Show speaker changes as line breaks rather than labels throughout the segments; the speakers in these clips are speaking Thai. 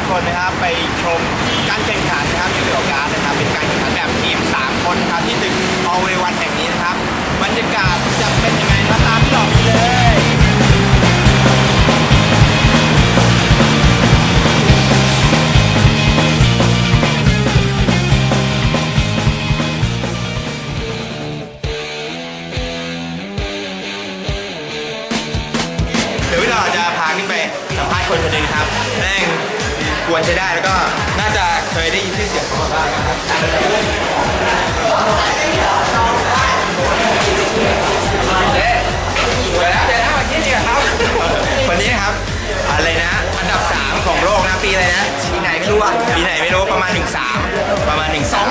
คนนะครับไปชมการแข่งขันนะครับในเรื่องของการนะครับเป็นการแข่งขันแบบทีม3คนนะครับที่ตึก Always One แห่งนี้นะครับบรรยากาศจะเป็นยังไงนะครับตามที่หลอกเลยเดี๋ยวพี่หลอดจะพาขึ้นไปสัมภาษณ์คนคนหนึ่งครับแม่งกวนใช้ได้แล้วก็น่าจะเคยได้ยินชื่อเสียงเขามาบ้างนะครับวันนี้นะครับอะไรนะอันดับ3ของโลกนะปีอะไรนะปีไหนไม่รู้อ่ะปีไหนไม่รู้ประมาณ13ประมาณ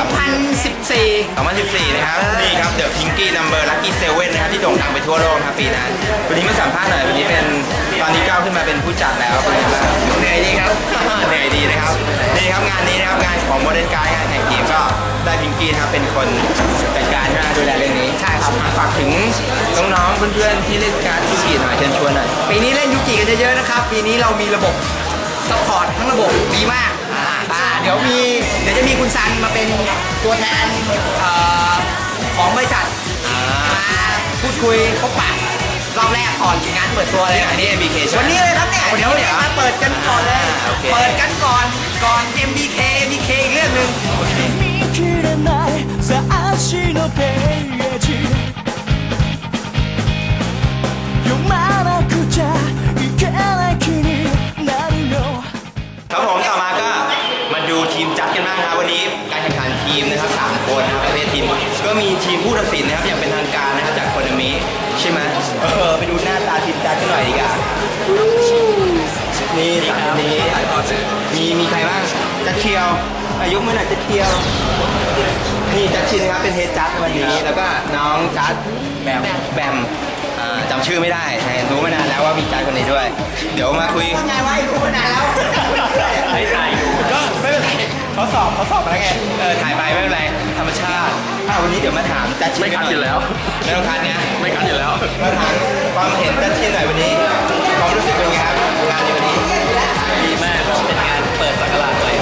2014นะครับนี่ครับเดอะพิงกี้นัมเบอร์ลัคกี้เซเว่นนะครับที่โด่งดังไปทั่วโลกนะครับปีนั้นวันนี้มาสัมภาษณ์หน่อยวันนี้เป็นตอนนี้ก้าวขึ้นมาเป็นผู้จัดแล้วเป็นไงบ้างเหนื่อยดีครับเหนื่อยดีนะครับนี่ครับงานนี้นะครับงานของโมเดิร์นการ์ดงานแข่งเกมก็ได้พิงกี้นะครับเป็นคนจัดการดูแลเรื่องนี้ใช่ครับฝากถึงน้องๆเพื่อนๆที่เล่นการ์ดยูกิหน่อยเชิญชวนหน่อยปีนี้เล่นยูกิกันเยอะๆนะครับปีนี้เรามีระบบซัพพอร์ตทั้งระบบดีมากเดี๋ยวจะมีคุณซันมาเป็นตัวแทนของบริษัทมาพูดคุยพบปะรอบแรกก่อนงานเปิดตัวเลยอันนี้ MBK วันนี้เลยครับเนี่ยเดี๋ยวมาเปิดกันก่อนเลยเปิดกันก่อนMBK อีกเรื่องหนึ่งครับผมต่อมาก็มาดูทีมจัดกันบ้างครับวันนี้การแข่งขันทีมนะครับ3คนนะครับประเภททีมก็มีทีมผู้ตัดสินนะครับอย่างเป็นทางการนะครับจากโคนามิใช่ไหมไปดูหน้าตาทีมจัดกันหน่อยดีกว่านี่สามนี้มีใครบ้างจัดเชียวอายุเมื่อไหร่จัดเชียวนี่จัดชินครับเป็นเฮดจัดวันนี้แล้วก็น้องจัดแบมจำชื่อไม่ได้รู้มานานแล้วว่ามีจัดคนนี้ด้วยเดี๋ยวมาคุยไงวะรู้มานานแล้วไม่ถ่ายก็ไม่เป็นไรเขาสอบมาแล้วไงถ่ายไปไม่เป็นไรธรรมชาติวันนี้เดี๋ยวมาถามจัดชินไม่คัดอยู่แล้วไม่ต้องคัดเนี่ยไม่คัดอยู่แล้วมาถามความเห็นจัดชินหน่อยวันนี้ความรู้สึกเป็นไงครับงานในวันนี้ดีมากเป็นงานเปิดสักราชเลย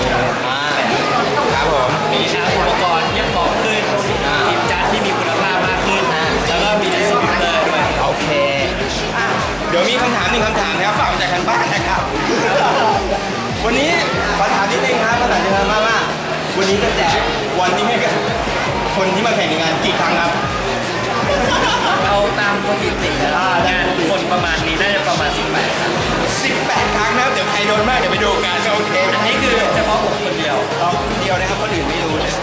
ครับผมมีอุปกรณ์ที่เหมาะขึ้นทีมจัดที่มีคุณภาพมากขึ้นแล้วก็มีดิสติบิวเตอร์ด้วยโอเคเดี๋ยวมีคำถามนะครับฝากมาจากทางบ้านนะครับวันนี้ขอถามนิดนึงครับภาษาจีนมากว่าวันนี้จะแจกวันนี้ให้กับคนที่มาแข่งในงานกี่ครั้งครับเอาตามสถิติงานคนประมาณนี้น่าจะประมาณ18 ครั้ง18 ครั้งนะครับเดี๋ยวใครโดนมากเดี๋ยวไปดูกันโอเคอันนี้คือเฉพาะผมคนเดียวนะครับคนอื่นไม่รู้เลย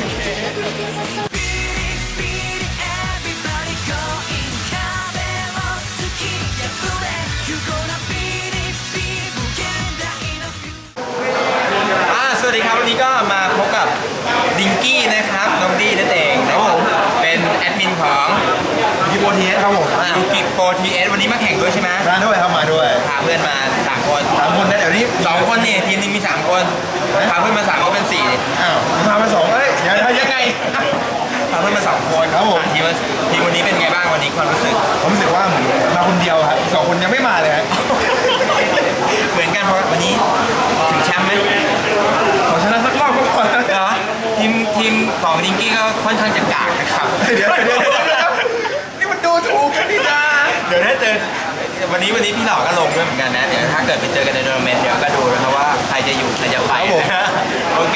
สวัสดีครับวันนี้ก็มาพบกับดิงกี้นะครับน้องดีนั่นเองนะครับเป็นแอดมินของยูโปทีเอสครับผมยูโปทีเอสวันนี้มาแข่งด้วยใช่ไหมมาด้วยครับมาด้วยพาเพื่อนมา3 คนนะเดี๋ยวนี้2 คนนี่ทีมนึงมี3 คนพาเพื่อนมา3 ก็เป็น4อ้าวพามา2เอ้ยยังไงพาเพื่อนมา2 คนครับผมทีมวันนี้เป็นไงบ้างวันนี้ความรู้สึกผมรู้สึกว่าเหมือนมาคนเดียวครับ2 คนยังไม่มาเลยเหมือนกันเพราะวันนี้ถึงแชมป์ไหมขอชนะสักรอบก็พอเหรอทีมของดิงกี้ก็ค่อนข้างจะกากนะครับเดี๋ยวนี่มันดูถูกกันนี่นะเดี๋ยวถ้าเจอวันนี้พี่หล่อก็ลงด้วยเหมือนกันนะเดี๋ยวถ้าเกิดไปเจอกันในโทรนาเมนต์เดี๋ยวก็ดูนะครับว่าใครจะอยู่ใครจะไปนะโอเค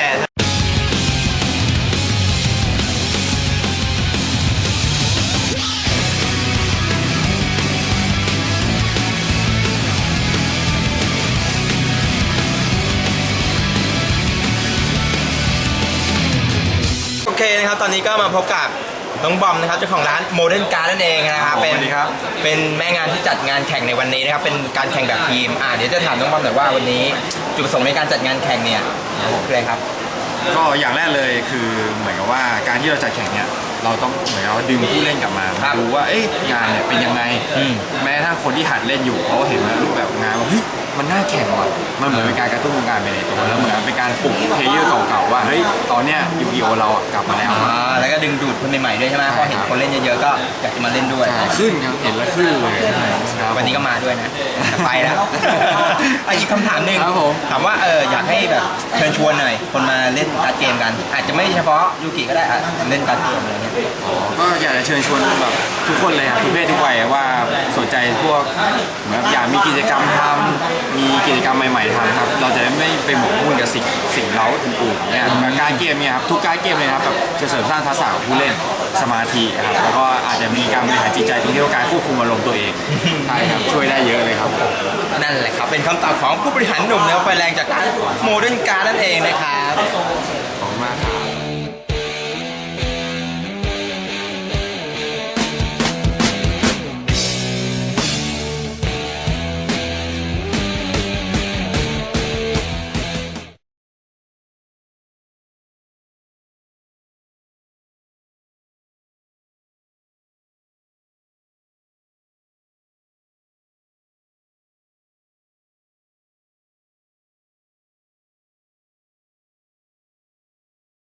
โอเคนะครับตอนนี้ก็มาพบกับน้องบอมนะครับเจ้าของร้านโมเดิร์นการ์ดนั่นเองนะครับเป็นแม่งานที่จัดงานแข่งในวันนี้นะครับเป็นการแข่งแบบทีมเดี๋ยวจะถามน้องบอมหน่อยว่าวันนี้จุดประสงค์ในการจัดงานแข่งเนี่ยคืออะไรครับก็อย่างแรกเลยคือเหมือนกับว่าการที่เราจัดแข่งเนี่ยเราต้องเหมือนกับว่าดึงผู้เล่นกลับมาดูว่างานเนี่ยเป็นยังไงแม้ถ้าคนที่หัดเล่นอยู่เขาเห็นว่ารูปแบบงานว่าเฮ้ย
มันน่าแข่งว่ะมันเหมือนเป็นการกระตุ้นวงการไปในตัวแล้วเหมือนเป็นการปลุกเพลเยอร์เก่าๆว่าเฮ้ยตอนเนี้ยยูกิโอเรากลับมาแล้ว
แล้วก็ดึงดูดคนใหม่ๆด้วยใช่ไหมพอเห็นคนเล่นเยอะๆก็อยากจะมาเล่นด้วย
ขึ้นครับเห็นแล้วขึ้นเลย
วันนี้ก็มาด้วยนะไปแล้วอีกคำถามหนึ่งถามว่าอยากให้แบบเชิญชวนหน่อยคนมาเล่นการ์ดเกมกันอาจจะไม่เฉพาะยูกิก็ได้เล่นการ์ดเกมอะไรเงี้ย
ก็อยากจะเชิญชวนแบบทุกคนเลยครับทุกเพศทุกวัยว่าสนใจพวกเหมือนอยากมีกิจกรรมทำมีกิจกรรมใหม่ๆทำครับเราจะไม่ไปหมกมุ่นกับสิ่งเร้าอื่นๆเนี่ยการเกมเนี่ยครับทุกการเกมเลยครับแบบจะเสริมสร้างทักษะของผู้เล่นสมาธิครับแล้วก็อาจจะมีการบริหารจิตใจตรงที่ว่าการควบคุมอารมณ์ตัวเองใช่ครับช่วยได้เยอะเลยครับ
นั่นแหละครับเป็นคำตอบของผู้บริหารหนุ่มแนวไฟแรงจากร้านโมเดิร์นการ์ดนั่นเองนะครับ
ขอบคุณมากครับ